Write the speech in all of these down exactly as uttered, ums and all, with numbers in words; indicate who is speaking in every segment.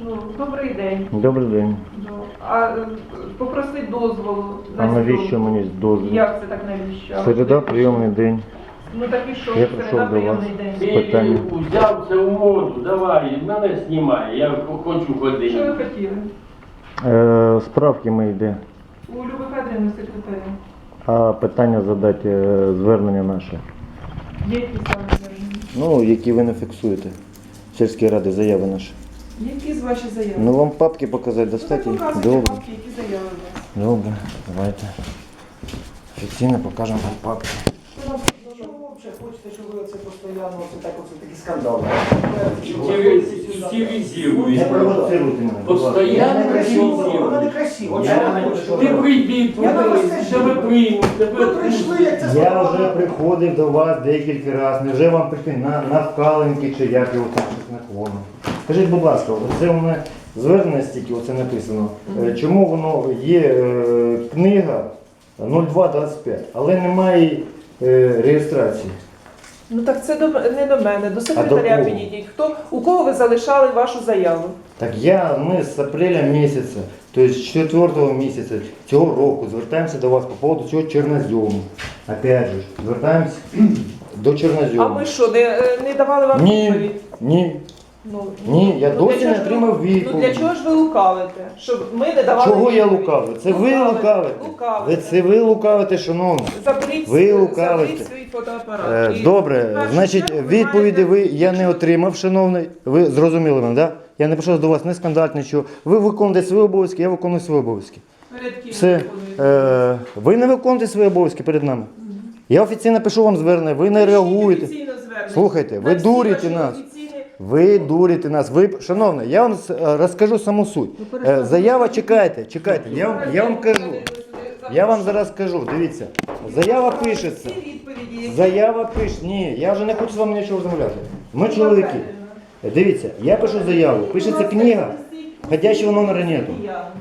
Speaker 1: Ну, добрий день.
Speaker 2: Добрий день.
Speaker 1: Ну, а е, попросить дозволу на
Speaker 2: А навіщо
Speaker 1: зйомку.
Speaker 2: мені дозвіл?
Speaker 1: Як це так навіщо? А
Speaker 2: Середа,
Speaker 1: ви-
Speaker 2: прийомний день.
Speaker 1: Ну так і що,
Speaker 2: Я
Speaker 1: середа
Speaker 2: прийшов до вас.
Speaker 1: прийомний день.
Speaker 2: З питання.
Speaker 3: Ти взяв це у моду, давай, мене знімай, я хочу
Speaker 1: Що ви
Speaker 3: ходити.
Speaker 1: хотіли?
Speaker 2: Е, справки ми йде.
Speaker 1: У Люби Федорівни секретаря.
Speaker 2: А питання задати е, звернення наше.
Speaker 1: Які саме звернення?
Speaker 2: Ну, які ви не фіксуєте. Сільській ради заяви наші.
Speaker 1: Які з ваші заяви?
Speaker 2: Ну вам папки показати
Speaker 1: Ну,
Speaker 2: достатньо?
Speaker 1: так показуйте
Speaker 2: Добре.
Speaker 1: папки, які заяви у вас.
Speaker 2: Добре, давайте. Офіційно покажемо вам папки.
Speaker 4: Чого ви взагалі хочете, щоб ви це постійно, оце так, оце такі скандали?
Speaker 3: Стилізує.
Speaker 2: Не провоцируйте мене, будь ласка.
Speaker 3: Постоянно
Speaker 4: Вона не
Speaker 3: стилізує.
Speaker 4: красиво. Чого
Speaker 3: Я-
Speaker 4: ви хочете?
Speaker 3: Ти прийди,
Speaker 4: Я на вас
Speaker 3: подивись,
Speaker 4: теж
Speaker 3: тебе
Speaker 4: йду.
Speaker 3: приймуть,
Speaker 4: Ви
Speaker 3: тебе
Speaker 4: прийшли, як це
Speaker 2: Я
Speaker 4: сказали.
Speaker 2: вже приходив до вас декілька разів. Невже вам прийти на, на вкаленки чи як його там щось наклону? Скажіть, будь ласка, це у мене звернення стільки, оце написано. Е, Чому воно є е, книга нуль два двадцять п'ять, але немає е, реєстрації?
Speaker 1: Ну так це до, не до мене, до
Speaker 2: до
Speaker 1: секретаря
Speaker 2: кого?
Speaker 1: підійдіть. Хто, у кого ви залишали вашу заяву?
Speaker 2: Так я, ми з апреля місяця, тобто з четвертого місяця цього року звертаємося до вас по поводу цього чорнозьому. Опять же, звертаємося до чорнозьому.
Speaker 1: А ми що, не, не давали вам
Speaker 2: Ні,
Speaker 1: відповідь?
Speaker 2: ні.
Speaker 1: Ну,
Speaker 2: Ні, я
Speaker 1: ну,
Speaker 2: досі
Speaker 1: для
Speaker 2: не
Speaker 1: чого ж
Speaker 2: отримав
Speaker 1: ви-
Speaker 2: відповіді.
Speaker 1: Ну для чого ж ви лукавите? Щоб ми не давали
Speaker 2: Чого я
Speaker 1: відповідь?
Speaker 2: лукавлю? Це ви лукавите. Ви
Speaker 1: Лукавите.
Speaker 2: це ви лукавите, шановні.
Speaker 1: Заберіть,
Speaker 2: Ви лукавите.
Speaker 1: заберіть свій фотоапарат.
Speaker 2: Е,
Speaker 1: І
Speaker 2: Добре,
Speaker 1: в першу
Speaker 2: значить,
Speaker 1: чергу ви
Speaker 2: відповіді ви
Speaker 1: маєте-
Speaker 2: я не отримав, шановний. Ви зрозуміли мене, так? Да? Я не прийшов до вас не скандалити, нічого. Ви виконуєте свої обов'язки, я виконую свої обов'язки.
Speaker 1: Перед ким
Speaker 2: Все.
Speaker 1: ви виконуєте?
Speaker 2: Е, ви не виконуєте свої обов'язки перед нами. Я офіційно пишу вам звернення, ви не
Speaker 1: Пишіть
Speaker 2: реагуєте.
Speaker 1: офіційно звернення.
Speaker 2: Слухайте, ви
Speaker 1: На всі
Speaker 2: дурите
Speaker 1: ваші
Speaker 2: нас.
Speaker 1: офіційні-
Speaker 2: Ви дурите нас. Ви, шановний, я вам е, розкажу саму суть. Е, Заява, чекайте, чекайте, я, вам- я вам кажу. Я вам зараз скажу, дивіться. Заява пишеться.
Speaker 1: Всі відповіді, які-
Speaker 2: Заява пише. Ні, я вже не хочу з вами нічого розмовляти. Ми чоловіки. Дивіться, я пишу заяву, пишеться книга, ходячого номера нету.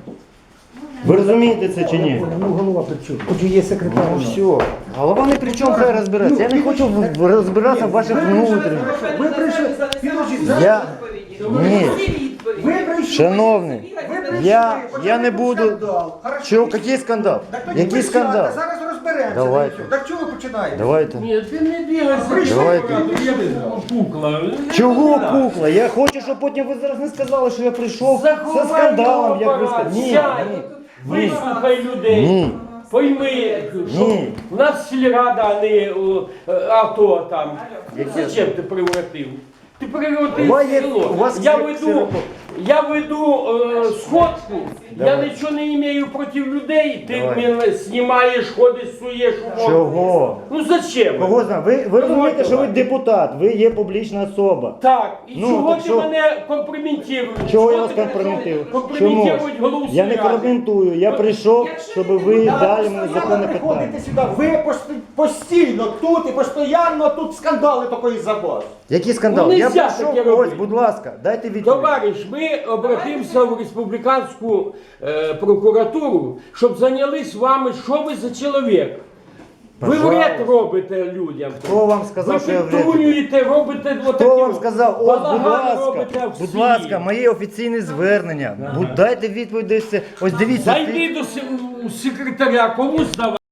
Speaker 2: Ви розумієте це чи ні?
Speaker 4: Ну, голова при чому? Хоч і є секретар.
Speaker 2: Ну все. Голова не при чому, хай розбирається. Я не хочу в- розбиратися в ваших внутрішніх.
Speaker 4: Ви прийшли, підождіть, зараз
Speaker 2: Я... Ні.
Speaker 1: Всі відповіді.
Speaker 4: Ви прийшли.
Speaker 2: Шановний,
Speaker 4: Ви прийшли,
Speaker 2: я,
Speaker 4: почали
Speaker 2: я не
Speaker 4: був
Speaker 2: буду...
Speaker 4: скандал. Хорошо.
Speaker 2: Чого, який скандал?
Speaker 4: Так тоді
Speaker 2: Який
Speaker 4: присядьте,
Speaker 2: скандал?
Speaker 4: Зараз розберемося.
Speaker 2: Давайте.
Speaker 4: Та й все. Так чого ви починаєте?
Speaker 2: Давайте.
Speaker 3: Ні, ти не бігайся.
Speaker 2: Давайте.
Speaker 3: Я пукла.
Speaker 2: Чого кукла? Я хочу, щоб потім ви зараз не сказали, що я прийшов
Speaker 3: Заховай
Speaker 2: за скандалом, як ви
Speaker 3: апарат,
Speaker 2: сказали. Ні,
Speaker 3: сядь,
Speaker 2: ні.
Speaker 3: Вислухай людей.
Speaker 2: Ні.
Speaker 3: Пойми, що
Speaker 2: Ні.
Speaker 3: у нас сільрада, а не о, е, АТО там.
Speaker 2: Яке?
Speaker 3: Зачем ти превратив? Ти превратив
Speaker 2: У вас є-
Speaker 3: село.
Speaker 2: у вас
Speaker 3: Я
Speaker 2: є
Speaker 3: веду,
Speaker 2: ксерокоп.
Speaker 3: я веду е, сходку, я
Speaker 2: Давай.
Speaker 3: нічого не маю проти людей, ти
Speaker 2: Давай.
Speaker 3: мене знімаєш, ходиш, суєш у морду.
Speaker 2: Чого?
Speaker 3: Ну зачем?
Speaker 2: Кого знає? Ви, ви розумієте, що ви
Speaker 3: давай.
Speaker 2: депутат, ви є публічна особа.
Speaker 3: Так, і
Speaker 2: Ну,
Speaker 3: чого
Speaker 2: так
Speaker 3: ти
Speaker 2: що-
Speaker 3: мене компрометуєш?
Speaker 2: Чого я
Speaker 3: Що
Speaker 2: вас
Speaker 3: ти
Speaker 2: компрометую? Чому?
Speaker 3: компрометують голову
Speaker 2: Я не
Speaker 3: сільради?
Speaker 2: коментую, я прийшов,
Speaker 1: Якщо
Speaker 2: щоб
Speaker 1: ви
Speaker 2: ви
Speaker 1: депутат,
Speaker 2: дали мені
Speaker 4: Постійно
Speaker 2: законне
Speaker 4: приходите
Speaker 2: питання.
Speaker 4: сюди, ви пост- постійно тут і постійно тут скандали такої за вас.
Speaker 2: Який скандал?
Speaker 3: Ну,
Speaker 2: Я
Speaker 3: нельзя
Speaker 2: прийшов,
Speaker 3: таке
Speaker 2: ось,
Speaker 3: робити.
Speaker 2: будь ласка, дайте відповідь.
Speaker 3: Товариш, ми обратимося в республіканську е, прокуратуру, щоб зайнялись вами, що ви за чоловік. Ви
Speaker 2: Пожалуйста.
Speaker 3: вред робите людям.
Speaker 2: Хто вам сказав,
Speaker 3: Ви
Speaker 2: що я вред?
Speaker 3: підтрунюєте, робите отакі.
Speaker 2: Хто вам сказав? Ось, будь
Speaker 3: балаган робите
Speaker 2: ласка,
Speaker 3: в
Speaker 2: будь
Speaker 3: селі.
Speaker 2: ласка, мої офіційні звернення. Будь- Дайте відповідь, десь це. Ось дивіться.
Speaker 3: Зайди до се- у секретаря, кому здавати.